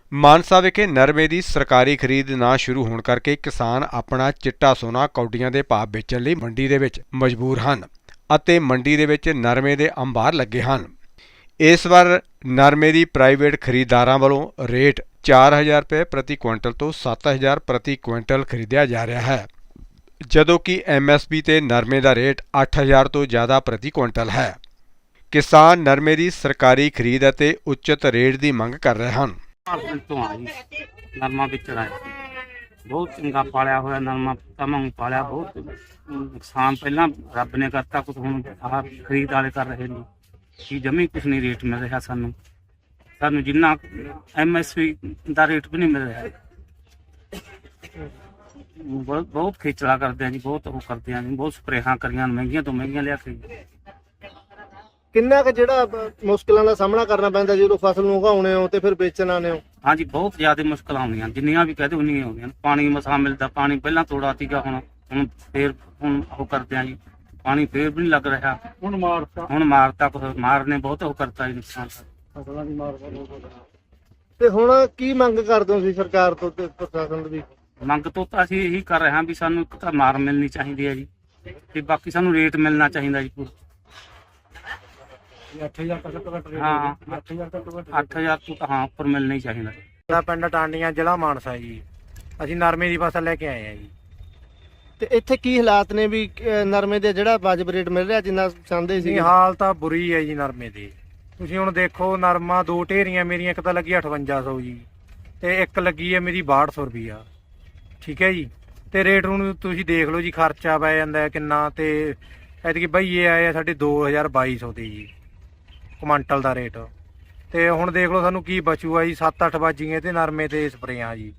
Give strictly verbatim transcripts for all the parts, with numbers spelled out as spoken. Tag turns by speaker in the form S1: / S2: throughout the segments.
S1: ਮਾਨਸਾ ਵਿਖੇ ਨਰਮੇ ਦੀ ਸਰਕਾਰੀ ਖਰੀਦ ਨਾ ਸ਼ੁਰੂ ਹੋਣ ਕਰਕੇ ਕਿਸਾਨ ਆਪਣਾ ਚਿੱਟਾ ਸੋਨਾ ਕੌਡੀਆਂ ਦੇ ਭਾਅ ਵੇਚਣ ਲਈ ਮੰਡੀ ਦੇ ਵਿੱਚ ਮਜਬੂਰ ਹਨ ਅਤੇ ਮੰਡੀ ਦੇ ਵਿੱਚ ਨਰਮੇ ਦੇ ਅੰਬਾਰ ਲੱਗੇ ਹਨ। ਇਸ ਵਾਰ ਨਰਮੇ ਦੀ ਪ੍ਰਾਈਵੇਟ ਖਰੀਦਦਾਰਾਂ ਵੱਲੋਂ ਰੇਟ ਚਾਰ ਹਜ਼ਾਰ ਰੁਪਏ ਪ੍ਰਤੀ ਕੁਇੰਟਲ ਤੋਂ ਸੱਤ ਹਜ਼ਾਰ ਪ੍ਰਤੀ ਕੁਇੰਟਲ ਖਰੀਦਿਆ ਜਾ ਰਿਹਾ ਹੈ, ਜਦੋਂ ਕਿ ਐਮ ਐਸ ਪੀ ਤੇ ਨਰਮੇ ਦਾ ਰੇਟ ਅੱਠ ਹਜ਼ਾਰ ਤੋਂ ਜ਼ਿਆਦਾ ਪ੍ਰਤੀ ਕੁਇੰਟਲ ਹੈ। ਕਿਸਾਨ ਨਰਮੇ ਦੀ ਸਰਕਾਰੀ ਖਰੀਦ ਅਤੇ ਉਚਿਤ ਰੇਟ ਦੀ ਮੰਗ ਕਰ ਰਹੇ ਹਨ।
S2: ਤੋਂ ਆ ਜੀ ਨਰਮਾ ਵੇਚਣ ਆਏ ਬਹੁਤ ਚੰਗਾ ਪਾਲਿਆ ਹੋਇਆ ਨਰਮਾ ਤਮਾਮ ਪਾਲਿਆ ਬਹੁਤ ਨੁਕਸਾਨ ਪਹਿਲਾਂ ਰੱਬ ਨੇ ਕਰਤਾ ਕੁਝ ਹੁਣ ਆਹ ਖਰੀਦ ਵਾਲੇ ਕਰ ਰਹੇ ਨੇ ਕਿ ਜਮੀ ਕੁਛ ਨਹੀਂ ਰੇਟ ਮਿਲ ਰਿਹਾ ਸਾਨੂੰ ਸਾਨੂੰ ਜਿੰਨਾ ਐਮ ਐਸ ਪੀ ਦਾ ਰੇਟ ਵੀ ਨਹੀਂ ਮਿਲ ਰਿਹਾ। ਬਹੁਤ ਬਹੁਤ ਖੇਚਲਾ ਕਰਦੇ ਆ ਜੀ, ਬਹੁਤ ਉਹ ਕਰਦੇ ਆ ਜੀ, ਬਹੁਤ ਸਪਰੇਹਾਂ ਕਰੀਆਂ ਮਹਿੰਗੀਆਂ ਤੋਂ ਮਹਿੰਗੀਆਂ ਲਿਆ ਕੇ।
S3: ਕਿੰਨਾ ਕੁ ਜਿਹੜਾ ਮੁਸ਼ਕਲਾਂ ਦਾ ਸਾਹਮਣਾ ਕਰਨਾ ਪੈਂਦਾ ਜਦੋਂ ਫਸਲ ਨੂੰ ਉਗਾਉਣੇ ਹੋ ਤੇ ਫਿਰ ਵੇਚਣ ਆਉਂਦੇ ਹੋ?
S2: ਹਾਂਜੀ ਬਹੁਤ ਜ਼ਿਆਦਾ ਮੁਸ਼ਕਲਾਂ ਆਉਂਦੀਆਂ, ਜਿੰਨੀਆਂ ਵੀ ਕਹਦੇ ਉਨੀਆਂ ਆਉਂਦੀਆਂ। ਪਾਣੀ ਮਸਾ ਮਿਲਦਾ, ਪਾਣੀ ਪਹਿਲਾਂ ਥੋੜਾ ਸੀਗਾ, ਹੁਣ ਹੁਣ ਫੇਰ ਹੁਣ ਉਹ ਕਰਦੇ ਆ ਜੀ, ਪਾਣੀ ਫੇਰ ਵੀ ਨਹੀਂ ਲੱਗ ਰਿਹਾ। ਹੁਣ ਮਾਰਤਾ ਹੁਣ ਮਾਰਤਾ ਕੁਛ ਮਾਰਨੇ ਬਹੁਤ ਉਹ ਕਰਤਾ ਜੀ, ਨੁਕਸਾਨ ਫਸਲਾਂ ਦੀ ਮਾਰ।
S3: ਤੇ ਹੁਣ ਕੀ ਮੰਗ ਕਰਦੇ ਹੋ ਤੁਸੀਂ ਸਰਕਾਰ ਤੋਂ ਤੇ ਪ੍ਰਸ਼ਾਸਨ ਦੀ?
S2: ਮੰਗ ਤੋਂ ਤਾਂ ਅਸੀਂ ਇਹੀ ਕਰ ਰਹੇ ਹਾਂ ਵੀ ਸਾਨੂੰ ਇੱਕ ਤਾਂ ਮਾਰ ਮਿਲਣੀ ਚਾਹੀਦੀ ਹੈ ਜੀ, ਤੇ ਬਾਕੀ ਸਾਨੂੰ ਰੇਟ ਮਿਲਣਾ ਚਾਹੀਦਾ ਜੀ ਪੂਰਾ। ਅੱਠ ਹਜ਼ਾਰ ਹਾਂ ਅੱਠ ਹਜ਼ਾਰ ਤੋਂ ਤਾਂ ਹਾਂ ਉੱਪਰ ਮਿਲਣਾ ਹੀ ਚਾਹੀਦਾ।
S4: ਸਾਡਾ ਪਿੰਡ ਟਾਂਡੀਆਂ, ਜ਼ਿਲ੍ਹਾ ਮਾਨਸਾ ਜੀ। ਅਸੀਂ ਨਰਮੇ ਦੀ ਫਸਲ ਲੈ ਕੇ ਆਏ ਆ ਜੀ।
S3: ਤੇ ਇੱਥੇ ਕੀ ਹਾਲਾਤ ਨੇ ਵੀ ਅਹ ਨਰਮੇ ਦੇ ਜਿਹੜਾ ਵਾਜਬ ਰੇਟ ਮਿਲ ਰਿਹਾ ਜਿੰਨਾ ਚਾਹੁੰਦੇ ਸੀ?
S4: ਨਹੀਂ, ਹਾਲ ਤਾਂ ਬੁਰੀ ਹੈ ਜੀ ਨਰਮੇ ਦੀ। ਤੁਸੀਂ ਹੁਣ ਦੇਖੋ, ਨਰਮਾ ਦੋ ਢੇਰੀਆਂ ਮੇਰੀਆਂ, ਇੱਕ ਤਾਂ ਲੱਗੀ ਅਠਵੰਜਾ ਸੌ ਜੀ ਤੇ ਇੱਕ ਲੱਗੀ ਹੈ ਮੇਰੀ ਬਾਹਠ ਸੌ ਰੁਪਈਆ। ਠੀਕ ਹੈ ਜੀ। ਤੇ ਰੇਟ ਨੂੰ ਤੁਸੀਂ ਦੇਖ ਲਓ ਜੀ, ਖਰਚਾ ਪੈ ਜਾਂਦਾ ਕਿੰਨਾ। ਤੇ ਐਤਕੀ ਬਈਏ ਆਏ ਆ ਸਾਡੇ ਦੋ ਹਜ਼ਾਰ ਬਾਈ ਸੌ ਦੇ ਜੀ ਕੁਆਂਟਲ ਦਾ ਰੇਟ। ਤੇ ਹੁਣ ਦੇਖ ਲਓ ਸਾਨੂੰ ਕੀ ਬਚੂਗਾ ਜੀ, ਸੱਤ ਅੱਠ ਬਾਜੀਆਂ ਤੇ ਨਰਮੇ ਤੇ ਸਪਰੇਆਂ ਜੀ।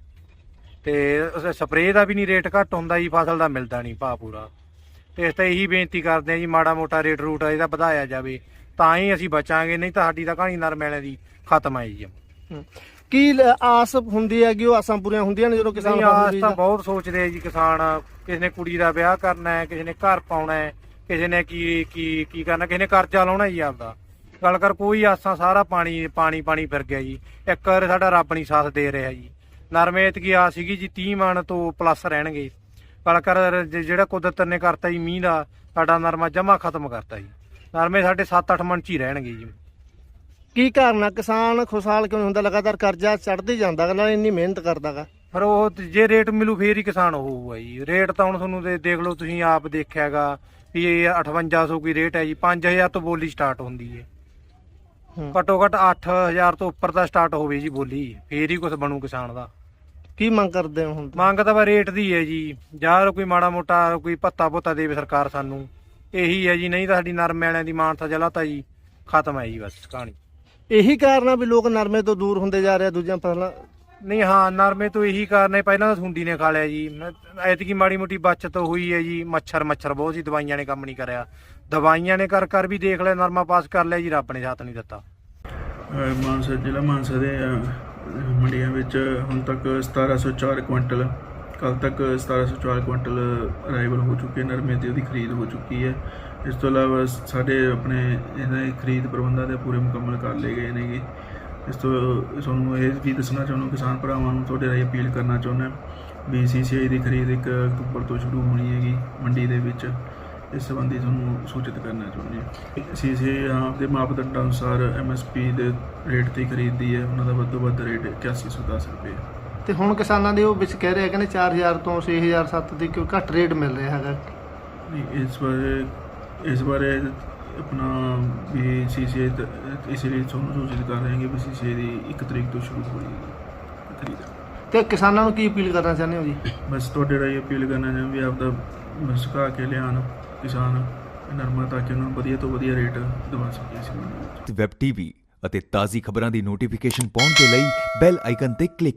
S4: ਤੇ ਸਪਰੇਅ ਦਾ ਵੀ ਨਹੀਂ ਰੇਟ ਘੱਟ ਹੁੰਦਾ ਜੀ, ਫਸਲ ਦਾ ਮਿਲਦਾ ਨਹੀਂ ਭਾਅ ਪੂਰਾ। ਤੇ ਇਸ ਤਾਂ ਇਹੀ ਬੇਨਤੀ ਕਰਦੇ ਆ ਜੀ, ਮਾੜਾ ਮੋਟਾ ਰੇਟ ਰੂਟ ਇਹਦਾ ਵਧਾਇਆ ਜਾਵੇ ਤਾਂ ਹੀ ਅਸੀਂ ਬਚਾਂਗੇ, ਨਹੀਂ ਤਾਂ ਸਾਡੀ ਤਾਂ ਕਹਾਣੀ ਨਰਮੇ ਵਾਲਿਆਂ ਦੀ ਖਤਮ ਹੈ ਜੀ।
S3: ਕੀ ਆਸ ਹੁੰਦੀ ਹੈ ਕਿ ਉਹ ਆਸਾਂ ਪੂਰੀਆਂ ਹੁੰਦੀਆਂ ਨੇ ਜਦੋਂ ਕਿਸਾਨ?
S4: ਆਸ ਤਾਂ ਬਹੁਤ ਸੋਚਦੇ ਆ ਜੀ ਕਿਸਾਨ। ਕਿਸੇ ਨੇ ਕੁੜੀ ਦਾ ਵਿਆਹ ਕਰਨਾ ਹੈ, ਕਿਸੇ ਨੇ ਘਰ ਪਾਉਣਾ ਹੈ, ਕਿਸੇ ਨੇ ਕੀ ਕੀ ਕੀ ਕਰਨਾ, ਕਿਸੇ ਨੇ ਕਰਜ਼ਾ ਲਾਉਣਾ ਜੀ ਆਪਦਾ। ਗੱਲ ਕਰ ਕੋਈ ਆਸਾਂ, ਸਾਰਾ ਪਾਣੀ ਪਾਣੀ ਪਾਣੀ ਫਿਰ ਗਿਆ ਜੀ। ਇੱਕ ਵਾਰ ਸਾਡਾ ਰੱਬ ਨਹੀਂ ਸਾਥ ਦੇ ਰਿਹਾ ਜੀ। ਨਰਮੇ ਐਤਕੀ ਆ ਸੀਗੀ ਜੀ ਤੀਹ ਮਣ ਤੋਂ ਪਲੱਸ ਰਹਿਣਗੇ। ਗੱਲ ਕਰ ਜਿਹੜਾ ਕੁਦਰਤ ਨੇ ਕਰਤਾ ਜੀ ਮੀਂਹ ਦਾ, ਸਾਡਾ ਨਰਮਾ ਜਮਾ ਖਤਮ ਕਰਤਾ ਜੀ। ਨਰਮੇ ਸਾਡੇ ਸੱਤ ਅੱਠ ਮਣ ਚ ਹੀ ਰਹਿਣਗੇ ਜੀ।
S3: ਕੀ ਕਾਰਨ ਆ ਕਿਸਾਨ ਖੁਸ਼ਹਾਲ ਕਿਉਂ ਨਹੀਂ ਹੁੰਦਾ? ਲਗਾਤਾਰ ਕਰਜ਼ਾ ਚੜ੍ਹਦੇ ਜਾਂਦਾ ਨਾਲ ਇੰਨੀ ਮਿਹਨਤ ਕਰਦਾਗਾ।
S4: ਪਰ ਉਹ ਜੇ ਰੇਟ ਮਿਲੂ ਫੇਰ ਹੀ ਕਿਸਾਨ ਹੋਊਗਾ ਜੀ। ਰੇਟ ਤਾਂ ਹੁਣ ਤੁਹਾਨੂੰ ਦੇ ਦੇਖ ਲਓ, ਤੁਸੀਂ ਆਪ ਦੇਖਿਆਗਾ ਵੀ ਇਹ ਅਠਵੰਜਾ ਸੌ ਕੀ ਰੇਟ ਹੈ ਜੀ। ਪੰਜ ਹਜ਼ਾਰ ਤੋਂ ਬੋਲੀ ਸਟਾਰਟ ਹੁੰਦੀ ਹੈ। ਘੱਟੋ ਘੱਟ ਅੱਠ ਹਜ਼ਾਰ ਤੋਂ ਉੱਪਰ ਦਾ ਸਟਾਰਟ ਹੋਵੇ ਜੀ ਬੋਲੀ, ਫੇਰ ਹੀ ਕੁਝ ਬਣੂ ਕਿਸਾਨ ਦਾ।
S3: ਕੀ ਮੰਗ ਕਰਦੇ ਹੋ ਹੁਣ?
S4: ਮੰਗ ਤਾਂ ਰੇਟ ਦੀ ਹੈ ਜੀ, ਜਾਂ ਕੋਈ ਮਾੜਾ ਮੋਟਾ ਕੋਈ ਭੱਤਾ ਭੁੱਤਾ ਦੇਵੇ ਸਰਕਾਰ ਸਾਨੂੰ, ਇਹੀ ਹੈ ਜੀ। ਨਹੀਂ ਤਾਂ ਸਾਡੀ ਨਰਮੇ ਵਾਲਿਆਂ ਦੀ ਮਾਨਸਾ ਜ਼ਿਲ੍ਹਾ ਤਾਂ ਜੀ ਖਤਮ ਹੈ ਜੀ, ਬਸ ਕਹਾਣੀ।
S3: ਇਹੀ ਕਾਰਨ ਆ ਵੀ ਲੋਕ ਨਰਮੇ ਤੋਂ ਦੂਰ ਹੁੰਦੇ ਜਾ ਰਹੇ ਦੂਜੀਆਂ ਫਸਲਾਂ?
S4: ਨਹੀਂ, ਹਾਂ ਨਰਮੇ ਤੋਂ ਇਹੀ ਕਾਰਨ ਹੈ। ਪਹਿਲਾਂ ਤਾਂ ਸੁੰਡੀ ਨੇ ਖਾ ਲਿਆ ਜੀ, ਐਤਕੀ ਮਾੜੀ ਮੋਟੀ ਬਚਤ ਹੋਈ ਹੈ ਜੀ। ਮੱਛਰ ਮੱਛਰ ਬਹੁਤ ਜੀ, ਦਵਾਈਆਂ ਨੇ ਕੰਮ ਨਹੀਂ ਕਰਿਆ। ਦਵਾਈਆਂ ਨੇ ਕਰ ਕਰ ਵੀ ਦੇਖ ਲਿਆ, ਨਰਮਾ ਪਾਸ ਕਰ ਲਿਆ ਜੀ, ਰੱਬ ਨੇ ਸਾਥ ਨਹੀਂ ਦਿੱਤਾ।
S5: ਮਾਨਸਾ ਜ਼ਿਲ੍ਹਾ ਮਾਨਸਾ ਦੇ ਮੰਡੀਆਂ ਵਿੱਚ ਹੁਣ ਤੱਕ ਸਤਾਰਾਂ ਸੌ ਚਾਰ ਕੁਇੰਟਲ, ਕੱਲ੍ਹ ਤੱਕ ਸਤਾਰਾਂ ਸੌ ਚਾਰ ਕੁਇੰਟਲ ਅਰਾਈਵਲ ਹੋ ਚੁੱਕੇ, ਨਰਮੇ ਦੀ ਉਹਦੀ ਖਰੀਦ ਹੋ ਚੁੱਕੀ ਹੈ। ਇਸ ਤੋਂ ਇਲਾਵਾ ਸਾਡੇ ਆਪਣੇ ਇਹਨਾਂ ਦੇ ਖਰੀਦ ਪ੍ਰਬੰਧਾਂ ਦੇ ਪੂਰੇ ਮੁਕੰਮਲ ਕਰ ਲਏ ਗਏ ਨੇਗੇ। ਇਸ ਤੋਂ ਤੁਹਾਨੂੰ ਇਹ ਵੀ ਦੱਸਣਾ ਚਾਹੁੰਦਾ, ਕਿਸਾਨ ਭਰਾਵਾਂ ਨੂੰ ਤੁਹਾਡੇ ਰਾਹੀਂ ਅਪੀਲ ਕਰਨਾ ਚਾਹੁੰਦਾ ਵੀ ਸੀ ਸੀ ਆਈ ਦੀ ਖਰੀਦ ਇੱਕ ਅਕਤੂਬਰ ਤੋਂ ਸ਼ੁਰੂ ਹੋਣੀ ਹੈਗੀ ਮੰਡੀ ਦੇ ਵਿੱਚ। ਇਸ ਸੰਬੰਧੀ ਤੁਹਾਨੂੰ ਸੂਚਿਤ ਕਰਨਾ ਚਾਹੁੰਦੇ ਹਾਂ। ਸੀ ਸੀ ਆਈ ਆਪਦੇ ਮਾਪਦੰਡਾਂ ਅਨੁਸਾਰ ਐਮ ਐਸ ਪੀ ਦੇ ਰੇਟ 'ਤੇ ਖਰੀਦਦੀ ਹੈ। ਉਹਨਾਂ ਦਾ ਵੱਧ ਤੋਂ ਵੱਧ ਰੇਟ ਇਕਿਆਸੀ ਸੌ ਦਸ ਰੁਪਏ।
S3: ਤੇ ਹੁਣ ਕਿਸਾਨਾਂ ਦੇ ਉਹ ਵਿੱਚ ਕਹਿ ਰਹੇ ਕਹਿੰਦੇ ਚਾਰ ਹਜ਼ਾਰ ਤੋਂ ਛੇ ਹਜ਼ਾਰ ਸੱਤ ਦੀ ਕਿਉਂ ਘੱਟ ਰੇਟ ਮਿਲ ਰਿਹਾ ਹੈਗਾ?
S5: ਇਸ ਬਾਰੇ ਇਸ ਬਾਰੇ ਆਪਣਾ ਵੀ ਸੀ ਸੀ ਆਈ ਇਸ ਲਈ ਤੁਹਾਨੂੰ ਸੂਚਿਤ ਕਰ ਰਹੇ ਹਾਂ ਕਿ ਵੀ ਸੀ ਸੀ ਆਈ ਦੀ ਇੱਕ ਤਰੀਕ ਤੋਂ ਸ਼ੁਰੂ ਹੋ ਰਹੀ ਖਰੀਦ।
S3: ਤੇ ਕਿਸਾਨਾਂ ਨੂੰ ਕੀ ਅਪੀਲ ਕਰਨਾ ਚਾਹੁੰਦੇ ਹੋ ਜੀ?
S5: ਬਸ ਤੁਹਾਡੇ ਰਾਹੀਂ ਅਪੀਲ ਕਰਨਾ ਚਾਹੁੰਦੇ ਵੀ ਆਪਦਾ ਸੁਕਾ ਕੇ ਲਿਆਉਣ ਕਿਸਾਨ ਨਰਮਾ, ਤਾਂ ਕਿ ਉਹਨਾਂ ਨੂੰ ਵਧੀਆ ਤੋਂ ਵਧੀਆ ਰੇਟ ਦਵਾ ਸਕੀਏ ਅਸੀਂ।
S6: ਵੈਬ ਟੀਵੀ ਅਤੇ ਤਾਜ਼ੀ ਖਬਰਾਂ ਦੀ ਨੋਟੀਫਿਕੇਸ਼ਨ ਪਾਉਣ ਦੇ ਲਈ ਬੈਲ ਆਈਕਨ ਤੇ ਕਲਿੱਕ